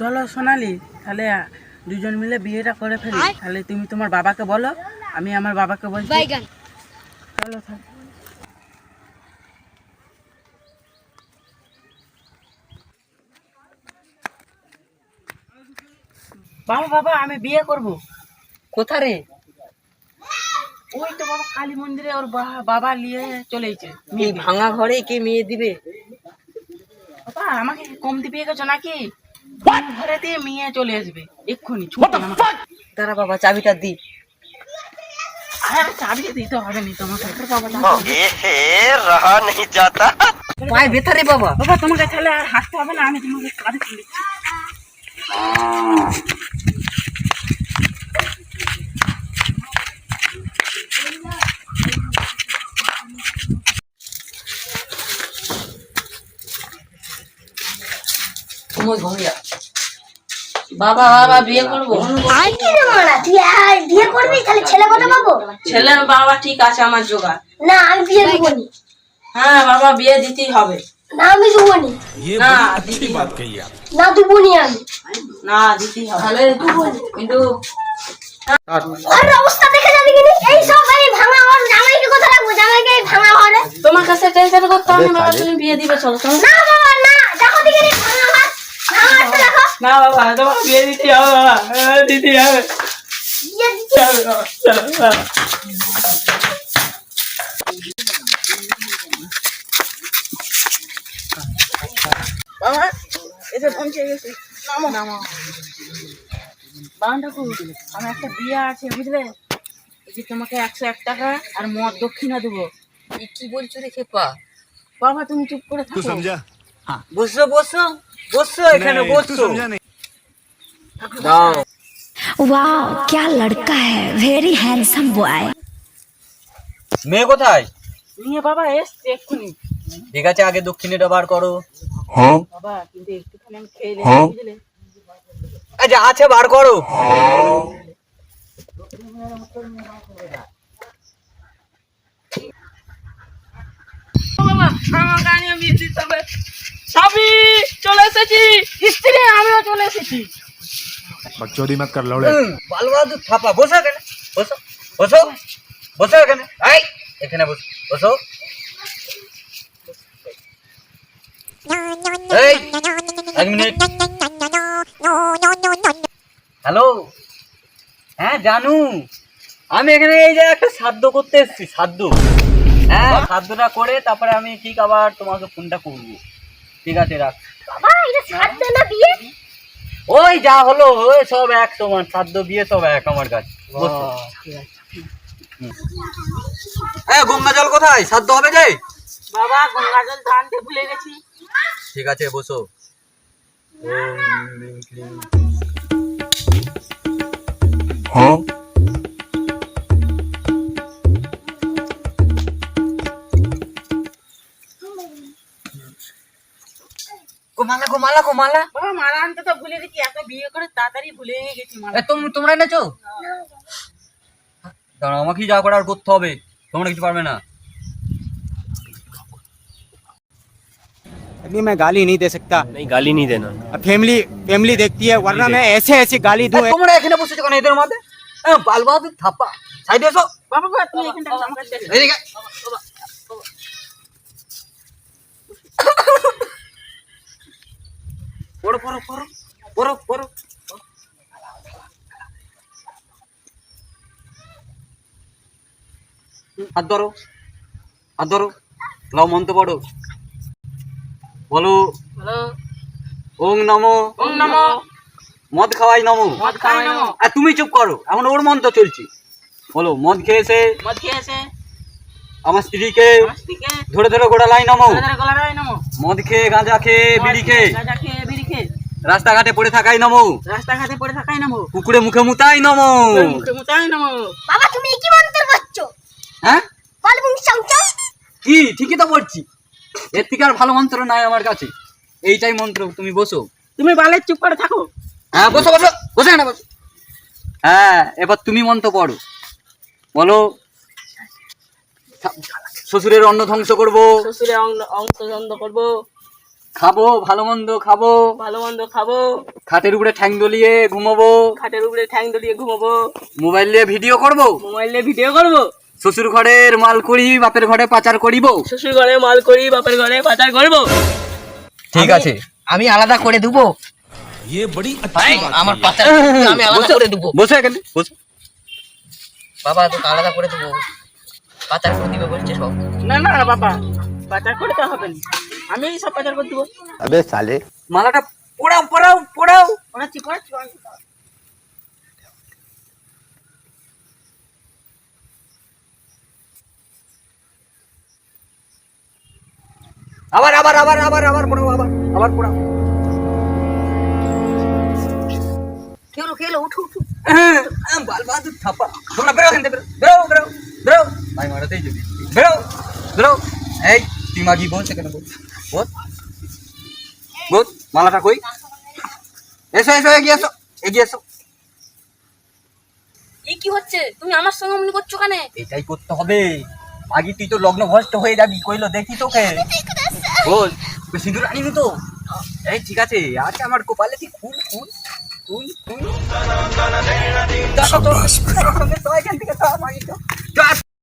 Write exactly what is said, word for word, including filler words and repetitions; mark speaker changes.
Speaker 1: চলো সোনালি, তাহলে দুজন মিলে বিয়েটা করে ফেলি। তাহলে তুমি তোমার বাবাকে বলো, আমি আমার বাবাকে বলছি। চলো তাহলে। বাবা বাবা আমি বিয়ে করব।
Speaker 2: কোথা রে?
Speaker 1: ওই তো বাবা কালী মন্দিরে ওর বা- বাবা নিয়ে চলেছে।
Speaker 2: এই ভাঙা ঘরে কে মেয়ে দিবে?
Speaker 1: বাবা আমাকে কমতি বিয়ে গেছো নাকি? কোন ঘরে দিয়ে মেয়ে চলে আসবে এক্ষুনি, ছুটে আমাকে।
Speaker 2: দাঁড়া বাবা, চাবিটা দি।
Speaker 1: আরে চাবি দিতে হবে না তোমাকে। বাবা
Speaker 3: रहा नहीं जाता।
Speaker 2: পায়ে ব্যথা রে বাবা।
Speaker 1: বাবা তোমাকে তাহলে আর হাঁটতে হবে না, আমি তোমাকে কাঁধে তুলে দিচ্ছি।
Speaker 2: তুমি ঘুমিয়া। বাবা বাবা বিয়ে করবো।
Speaker 4: আর কি রে মারা, তুই আর বিয়ে করবি? তাহলে ছেলে কথা পাবো?
Speaker 2: ছেলে বাবা ঠিক আছে আমার জোগাড়।
Speaker 4: না আমি বিয়ে দেবো নি।
Speaker 2: হ্যাঁ বাবা বিয়ে দিতেই হবে।
Speaker 4: না আমি দেবো নি।
Speaker 2: না দিতেই হবে।
Speaker 4: না দেবো নি আমি।
Speaker 2: না দিতেই হবে। তাহলে কিন্তু
Speaker 4: আর অবস্থা দেখে যাবি কিনি? এই সব এই ভাঙা ঘর, জামাইকে কথা রাখবো, জামাইকে এই ভাঙা ঘরে।
Speaker 2: তোমার কাছে টেনশন করতে হবে না বাবা, তুমি বিয়ে দিবে। চলো চলো।
Speaker 4: না বাবা না, দেখো দিকে রে ভাঙা ঘর, ভাঙা ঘরটা দেখো।
Speaker 1: না বাবা তোমার বিয়ে দিতে হবে বাবা, হ্যাঁ, দিতে হবে।
Speaker 4: বিয়ে দিচ্ছি।
Speaker 1: চলো, চলো, চলো। বাবা এসে পৌঁছে গেছি। নামো নামো। বাবা ঠাকুর, আমার একটা বিয়ে আছে বুঝলে, এই যে তোমাকে একশো এক টাকা আর মদ দক্ষিণা দেবো।
Speaker 2: এই কি বলছো রে খেপা?
Speaker 1: বাবা তুমি চুপ করে থাকো।
Speaker 2: বসো বসো বসো, এখানে বসো। দাও।
Speaker 5: वाह क्या लड़का है, वेरी हैंडसम बॉय।
Speaker 3: মেয়ে কোথায়?
Speaker 1: নিয়ে বাবা এসছে এক্ষুনি।
Speaker 3: ঠিক আছে, আগে দক্ষিণেটা বার করো।
Speaker 1: বাবা কিন্তু একটুখানি আমি খেয়ে নিই বুঝলে।
Speaker 3: এই যে আছে বার করো।
Speaker 1: বাবা আমাকে আনিয়ে বিয়ে দিতে হবে। স্বামী চলে এসেছি, স্ত্রী আমিও চলে এসেছি।
Speaker 6: बकचोदी मत कर लौड़े।
Speaker 3: বাল বাহাদুর থাপা, বসো এখানে, বসো বসো বসো এখানে। এই এখানে বসো বসো। এই এক মিনিট। হ্যালো, হ্যাঁ জানু, আমি এখানে এই যে একটা শ্রাদ্ধ করতে এসেছি। শ্রাদ্ধ, হ্যাঁ শ্রাদ্ধটা করে তারপরে আমি ঠিক আবার তোমাকে ফোনটা করবো। ঠিক আছে রাখ।
Speaker 4: বাবা এটা শ্রাদ্ধ না বিয়ে?
Speaker 3: ওই যা হলো ওই সব এক সমান, শ্রাদ্ধ বিয়ে সব এক আমার কাছে। বসো। হ্যাঁ গঙ্গা জল কোথায়? শ্রাদ্ধ হবে যে।
Speaker 1: বাবা গঙ্গা জল তো আনতে ভুলে গেছি।
Speaker 3: ঠিক আছে বসো। গোমালা গোমালা গোমালা।
Speaker 1: বাবা মালা আনতে তো ভুলে গেছি, এত বিয়ে করে তাড়াতাড়ি ভুলে গেছি মালা।
Speaker 3: তুমি তোমরা এনেছো? দাঁড়াও, আমাকেই যা করার করতে হবে, তোমরা কিছু পারবে না।
Speaker 7: अभी मैं गाली नहीं दे सकता।
Speaker 8: नहीं गाली नहीं देना।
Speaker 7: अब फैमिली फैमिली देखती है, वरना मैं ऐसे ऐसे गाली दूं।
Speaker 3: তোমরা এখানে বসেছো কেন এদের মধ্যে? বাল বাহাদুর থাপা, সাইডে এসো।
Speaker 1: বাবা বাবা তুমি এখানটা আমার কাছে এসো।
Speaker 3: এদিকে। পড়ো পড়ো পড়ো পড়ো পড়ো। হাত ধরো, হাত ধরো, লাও মন্ত্র পড়ো। বলো
Speaker 1: হ্যালো
Speaker 3: ওং নমো।
Speaker 1: ওম নমো।
Speaker 3: মদ খাওয়াই নমো।
Speaker 1: মদ খাওয়াই নমো।
Speaker 3: আর তুমি চুপ করো, এখন ওর মন্ত্র চলছে। বলো মদ খেয়েছে
Speaker 1: মদ খেয়েছে
Speaker 3: আমার স্ত্রীকে
Speaker 1: আমার স্ত্রীকে
Speaker 3: ধরে ধরে গোড়ালাই নমো।
Speaker 1: ধরে ধরে গলায় নমো।
Speaker 3: মদ খেয়ে গাঁজা খেয়ে বিড়ি খেয়ে
Speaker 1: গাঁজা খেয়ে বিড়ি খেয়ে
Speaker 3: রাস্তাঘাটে পড়ে থাকাই নমো।
Speaker 1: রাস্তাঘাটে পড়ে থাকাই নমো।
Speaker 3: কুকুরে মুখে মুতাই নমো।
Speaker 1: মুখে মুতাই নমো।
Speaker 4: বাবা তুমি কি মন্ত্র করছো?
Speaker 3: হ্যাঁ
Speaker 4: বল তুমি চামচা।
Speaker 3: কি ঠিকই তো পড়ছি, এর থেকে আর ভালো মন্ত্র নাই আমার কাছে, এইটাই মন্ত্র। তুমি বসো।
Speaker 1: তুমি বালে চুপ করে থাকো।
Speaker 3: হ্যাঁ বসো বসো বসে না বসো। হ্যাঁ এবার তুমি মন্ত্র পড়ো। বলো শ্বশুরের অন্ন ধ্বংস করবো,
Speaker 1: শ্বশুরে অংশ বন্ধ করবো,
Speaker 3: খাবো ভালো মন্দ খাবো,
Speaker 1: ভালো মন্দ খাবো,
Speaker 3: খাটের উপরে ঠ্যাং দলিয়ে ঘুমাবো,
Speaker 1: খাটের উপরে ঠ্যাং দলিয়ে ঘুমাবো,
Speaker 3: মোবাইল নিয়ে ভিডিও করবো,
Speaker 1: মোবাইলে ভিডিও করবো,
Speaker 3: শ্বশুর ঘরের মাল করি বাপের ঘরে পাচার করিব।
Speaker 1: শ্বশুর ঘরে মাল করি বাপের ঘরে পাচার করবো।
Speaker 3: ঠিক আছে,
Speaker 2: আমি আলাদা করে দেবো। ভাই, আমার পাচার আমি আলাদা করে দেবো।
Speaker 3: বসে এখানে বসে।
Speaker 2: বাবা তোকে আলাদা করে দেবো, পাচার করে দিবে বলছে সব।
Speaker 1: না না বাবা, পাচার করে তো হবে না, আমি সব পাচার করে দেবো।
Speaker 3: মালাটা পোড়াও পোড়াও পোড়াও।
Speaker 1: পড়াচ্ছি পড়াচ্ছি পড়াচ্ছি।
Speaker 3: আবার আবার আবার আবার আবার পোড়াও, আবার আবার পোড়াও।
Speaker 2: খেলো খেলো, উঠো উঠো।
Speaker 3: বাল বাহাদুর থাপা। তোমরা বেরো এখান থেকে, বেরো বেরো বেরো। ভাই মারাতেই যদি বেরো বেরো। এই তুই মাগি বল সেখানে বল বল বল। মালাটা কই? এসো এসো, এগিয়ে এসো এগিয়ে এসো।
Speaker 1: এই কি হচ্ছে? তুমি আমার সঙ্গে অমনি করছো কেন?
Speaker 3: এটাই করতে হবে, মাগি তুই তো লগ্ন ভ্রষ্ট হয়ে যাবি। কইলো দেখি তোকে বল, তুই সিঁদুর আনিনি তো? এই ঠিক আছে, আচ্ছা আমার কপালে তুই ফুল ফুল ফুল ফুল। দেখো তো, তো এখান থেকে তো মাগি তো